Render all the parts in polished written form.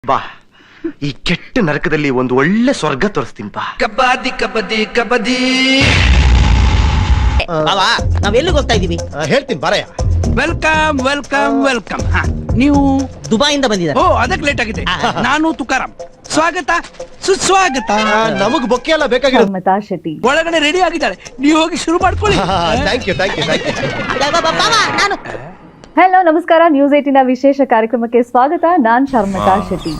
ಬಾ ಈ ಕೆಟ್ಟ ನರಕದಲ್ಲಿ ಒಂದು ಒಳ್ಳೆ ಸ್ವರ್ಗ ತೋರಿಸ್ತೀನಿ ಬಾ. ಕಬಡ್ಡಿ ಕಬಡ್ಡಿ ಕಬಡ್ಡಿ. ನಾವ್ ಎಲ್ಲಿಗೆ ಹೋಗ್ತಾ ಇದೀವಿ? ಹೇಳ್ತೀನಿ ಬಾರಯ್ಯ. Welcome welcome welcome. ನೀವು ದುಬೈಯಿಂದ ಬಂದಿದ್ದಾರೆ. ಓ ಅದಕ್ಕೆ ಲೇಟ್ ಆಗಿದೆ. ನಾನು ತುಕಾರಾಮ್. ಸ್ವಾಗತ ಸುಸ್ವಾಗತ. ನಮಗ್ ಬೊಕ್ಕೆ ಎಲ್ಲ ಬೇಕಾಗಿರೋದು. ಶರ್ಮಿತಾ ಶೆಟ್ಟಿ ಒಳಗಡೆ ರೆಡಿ ಆಗಿದ್ದಾರೆ, ನೀವು ಹೋಗಿ ಶುರು ಮಾಡ್ಕೊಳ್ಳಿ. Thank you thank you thank you. ನಾನು ಹಲೋ ನಮಸ್ಕಾರ, ನ್ಯೂಸ್ 18 ವಿಶೇಷ ಕಾರ್ಯಕ್ರಮಕ್ಕೆ ಸ್ವಾಗತ. ನಾನ್ ಶರ್ಮಿತಾ ಶೆಟ್ಟಿ.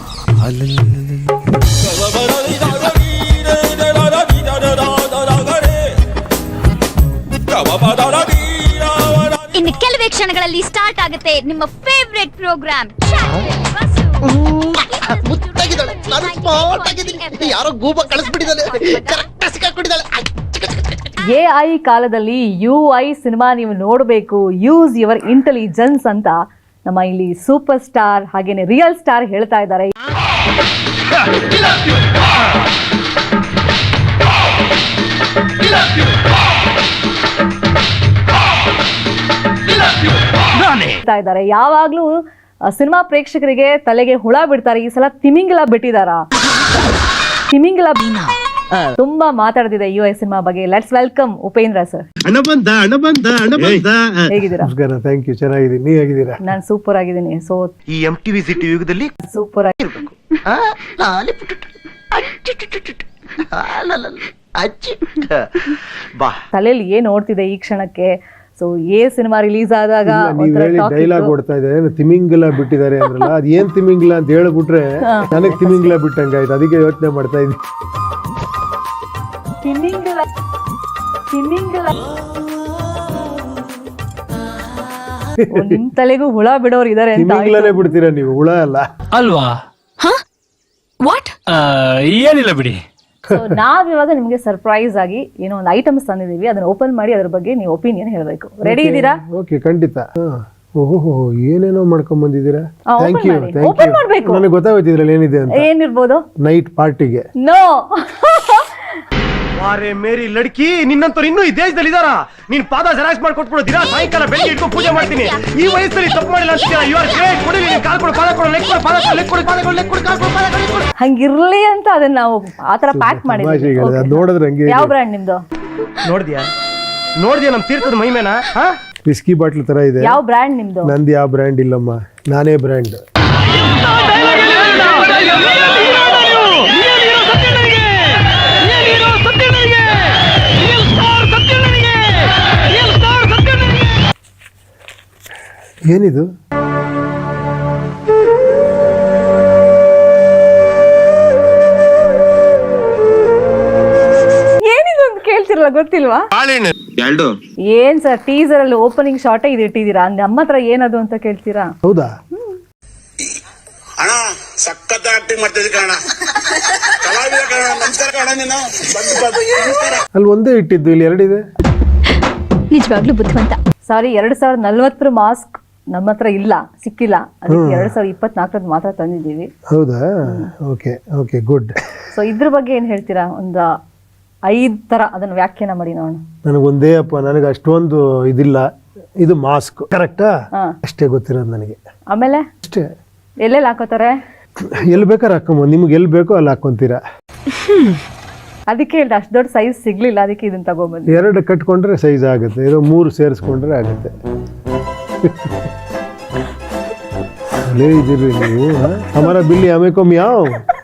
ಇನ್ನು ಕೆಲವೇ ಕ್ಷಣಗಳಲ್ಲಿ ಸ್ಟಾರ್ಟ್ ಆಗುತ್ತೆ ನಿಮ್ಮ ಫೇವರೆಟ್ ಪ್ರೋಗ್ರಾಮ್. ಮುತ್ತಾಗಿದ್ದಾಳೆ, ನಾನು ಸ್ಮಾರ್ಟ್ ಆಗಿದ್ದೀನಿ. ಯಾರೋ ಗೂಬ ಕಳಿಸ್ಬಿಟ್ಟಿದ್ದಾನೆ, ಕರೆಕ್ಟ್ ಸಿಕ್ಕಾಕೊಂಡಿದ್ದಾಳೆ. AI ಕಾಲದಲ್ಲಿ UI ಸಿನಿಮಾ ನೀವು ನೋಡಬೇಕು, ಯೂಸ್ ಯುವರ್ ಇಂಟೆಲಿಜೆನ್ಸ್ ಅಂತ ನಮ್ಮ ಇಲ್ಲಿ ಸೂಪರ್ ಸ್ಟಾರ್ ಹಾಗೇನೆ ರಿಯಲ್ ಸ್ಟಾರ್ ಹೇಳ್ತಾ ಇದ್ದಾರೆ. ಹೇಳ್ತಾ ಇದ್ದಾರೆ ಯಾವಾಗ್ಲೂ ಸಿನಿಮಾ ಪ್ರೇಕ್ಷಕರಿಗೆ ತಲೆಗೆ ಹುಳ ಬಿಡ್ತಾರೆ. ಈ ಸಲ ತಿಮಿಂಗಿಲ ಬಿಟ್ಟಿದಾರ. ತಿಮಿಂಗಿಲ ತುಂಬಾ ಮಾತಾಡ್ತಿದೆ UI ಸಿನಿಮಾ ಬಗ್ಗೆ. Let's welcome Upendra sir. ಹೇಗಿದ್ದೀರಾ? ನಮಸ್ಕಾರ, ಥ್ಯಾಂಕ್ ಯು. ಚೆನ್ನಾಗಿದ್ದೀನಿ, ನೀವು ಹೇಗಿದ್ದೀರಾ? ನಾನು ಸೂಪರ್ ಆಗಿದ್ದೀನಿ. ಸೊ ಈ MTV ಸಿಟಿ ಯುಗದಲ್ಲಿ ಸೂಪರ್ ಇರ್ಬೇಕು. ಬಾ ತಲೆಯಲ್ಲಿ ಏನ್ ಓಡ್ತಿದೆ ಈ ಕ್ಷಣಕ್ಕೆ. ಸೊ ಸಿನಿಮಾ ರಿಲೀಸ್ ಆದಾಗ ನೀವ್ ಹೇಳಿ ಡೈಲಾಗ್ ಓಡ್ತಾ ಇದೆ, ತಿಮಿಂಗಿಲ ಬಿಟ್ಟಿದ್ದಾರೆ ಅಂದ್ರಲ್ಲ, ಅದ್ ಏನ್ ತಿಮಿಂಗಿಲ ಅಂತ ಹೇಳ್ಬಿಟ್ರೆ ನನಗ್ ತಿಮಿಂಗಿಲ ಬಿಟ್ಟಂಗಾಯ್ತು. ಅದಕ್ಕೆ ಯೋಚನೆ ಮಾಡ್ತಾ ಇದ್ದೀನಿ. ನಿಮ್ ತಲೆಗೂ ಹುಳ ಬಿಡೋರು ಇದಾರೆ ಅಂತ ತಿಮಿಂಗಿಲನೇ ಬಿಡ್ತೀರಾ ನೀವು, ಹುಳ ಅಲ್ಲ ಅಲ್ವಾ? ವಾಟ್? ಏನಿಲ್ಲ ಬಿಡಿ. ಸೊ ನಾವ್ ಇವಾಗ ನಿಮ್ಗೆ ಸರ್ಪ್ರೈಸ್ ಆಗಿ ಏನೋ ಒಂದು ಐಟಮ್ಸ್ ತಂದಿದೀವಿ, ಅದನ್ನ ಓಪನ್ ಮಾಡಿ ಅದ್ರ ಬಗ್ಗೆ ನೀವು ಒಪಿನಿಯನ್ ಹೇಳ್ಬೇಕು. ರೆಡಿ ಇದ್ದೀರಾ? ಓಕೆ, ಖಂಡಿತ. ಓಹೋ, ಏನೇನೋ ಮಾಡ್ಕೊಂಡ್ ಬಂದಿದ್ದೀರಾ. Thank you thank open you. ಮಾಡ್ಬೇಕು. ನನಗೆ ಗೊತ್ತಾಗೋಯ್ತು ಇದ್ರಲ್ಲಿ ಏನಿದೆ ಅಂತ. ಏನಿರ್ಬೋದು? ನೈಟ್ ಪಾರ್ಟಿಗೆ. ನೋ. ವಾರೆ ಮೇರಿ ಲಡ್ಕಿ, ನಿನ್ನಂತವ್ರು ಇನ್ನೂ ಈ ದೇಶದಲ್ಲಿ ಇದಾರ? ನೀನ್ ಪಾದ ಜೆರಾಕ್ಸ್ ಮಾಡಿ ಕೊಟ್ಬಿಡು. ದಿನ ಸಾಯಂಕಾಲ ಬೆಳಿಗ್ಗೆ ಇಟ್ಕೊಂಡು ಪೂಜೆ ಮಾಡ್ತೀನಿ. ಈ ವಯಸ್ಸಲ್ಲಿ ತಪ್ಪು ಮಾಡಿಲ್ಲ ಅಂತೀರಾ? You are great. ಕೊಡಿ, ನೀನ್ ಕಾಲ್ ಕೊಡು, ಪಾದ ಕೊಡು, ಲೆಕ್ ಕೊಡು, ಪಾದ ಕೊಡು, ಲೆಕ್ ಕೊಡು, ಪಾದ ಕೊಡು, ಲೆಕ್ ಕೊಡು, ಕಾಲ್ ಕೊಡು, ಪಾದ ಕೊಡು, ಲೆಕ್ ಕೊಡು. ಹಂಗಿರ್ಲಿ ಅಂತ ಅದನ್ನ ನಾವು ಆತರ ಪ್ಯಾಕ್ ಮಾಡಿದ್ವಿ. ತಮಾಷೆಗೆ ಅದ್ ನೋಡಿದ್ರೆ ಹಂಗೆ. ಯಾವ ಬ್ರ್ಯಾಂಡ್ ನಿಮ್ದು? ನೋಡ್ದ್ಯಾ ನಮ್ ತೀರ್ಥದ ಮಹಿಮೇನ? ವಿಸ್ಕಿ ಬಾಟ್ಲ್ ತರ ಇದೆ. ಯಾವ ಬ್ರ್ಯಾಂಡ್ ನಿಮ್ದು? ನಂದು ಯಾವ ಬ್ರ್ಯಾಂಡ್ ಇಲ್ಲಮ್ಮ, ನಾನೇ ಬ್ರ್ಯಾಂಡ್. ಏನಿದು? ಏನಿದು ಅಂತ ಕೇಳ್ತಿರಲ್ಲ, ಗೊತ್ತಿಲ್ವಾ? ಏನ್ ಸರ್, ಟೀಸರ್ ಅಲ್ಲಿ ಓಪನಿಂಗ್ ಶಾರ್ಟ್ ಇದು ಇಟ್ಟಿದ್ದೀರಾ, ನಮ್ಮ ಹತ್ರ ಏನದು ಅಂತ ಕೇಳ್ತೀರಾ? ಹೌದಾ? ಅಣ್ಣ ಸಖತ್ ಆಕ್ಟಿಂಗ್ ಮಾಡ್ತಿದ್ದೆ ಕಣ, ಕಲಾವಿದ ಕಣ. ನಮಸ್ಕಾರ ಕಣ. ನೀನು ಅಲ್ಲಿ ಒಂದೇ ಇಟ್ಟಿದ್ದು, ಇಲ್ಲಿ ಎರಡಿದೆ. ನಿಜವಾಗ್ಲೂ ಬುದ್ಧಿವಂತ. ಸಾರಿ, 2040 ಮಾಸ್ಕ್ ನಮ್ಮ ಹತ್ರ ಇಲ್ಲ, ಸಿಕ್ಕಿಲ್ಲ. ಅದಕ್ಕೆ 2024 ಮಾತ್ರ ತಂದಿದ್ದೀವಿ. ಹೌದಾ? Okay okay, good. ಸೊ ಇದ್ರ ಬಗ್ಗೆ ಏನ್ ಹೇಳ್ತೀರಾ? ಒಂದು 5 ತರ ಅದನ್ನ ವ್ಯಾಖ್ಯಾನ ಮಾಡಿ ನೋಡೋಣ. ನನಗೊಂದೇ ಅಪ್ಪ, ನನಗೆ ಅಷ್ಟೊಂದು ಇದಿಲ್ಲ. ಇದು ಮಾಸ್ಕ್ ಕರೆಕ್ಟಾ? ಅಷ್ಟೇ ಗೊತ್ತಿರೋದು ನನಗೆ. ಆಮೇಲೆ ಅಷ್ಟೇ. ಎಲ್ಲೆಲ್ಲಿ ಹಾಕೋತಾರೆ? ಎಲ್ಲಿ ಬೇಕಾದ್ರೆ ಹಾಕೊಂಬೋದು, ನಿಮ್ಗೆ ಎಲ್ಲಿ ಬೇಕೋ ಅಲ್ಲಿ ಹಾಕೊಂತೀರಾ. ಅದಕ್ಕೆ ಹೇಳ್ದೆ, ಅಷ್ಟು ದೊಡ್ಡ ಸೈಜ್ ಸಿಗ್ಲಿಲ್ಲ, ಅದಕ್ಕೆ ಇದನ್ನ ತಗೊಂಡ್ಬಂದು. 2 ಕಟ್ಕೊಂಡ್ರೆ ಸೈಜ್ ಆಗುತ್ತೆ, ಇದು 3 ಸೇರಿಸ್ಕೊಂಡ್ರೆ ಆಗುತ್ತೆ. ಅಲ್ಲೇ ಇದ್ದೀರಿ ನೀವು. ಹಮಾರ ಬಿಲ್ಲಿ ಹಮೇಕೊ ಮಿಯಾವ್.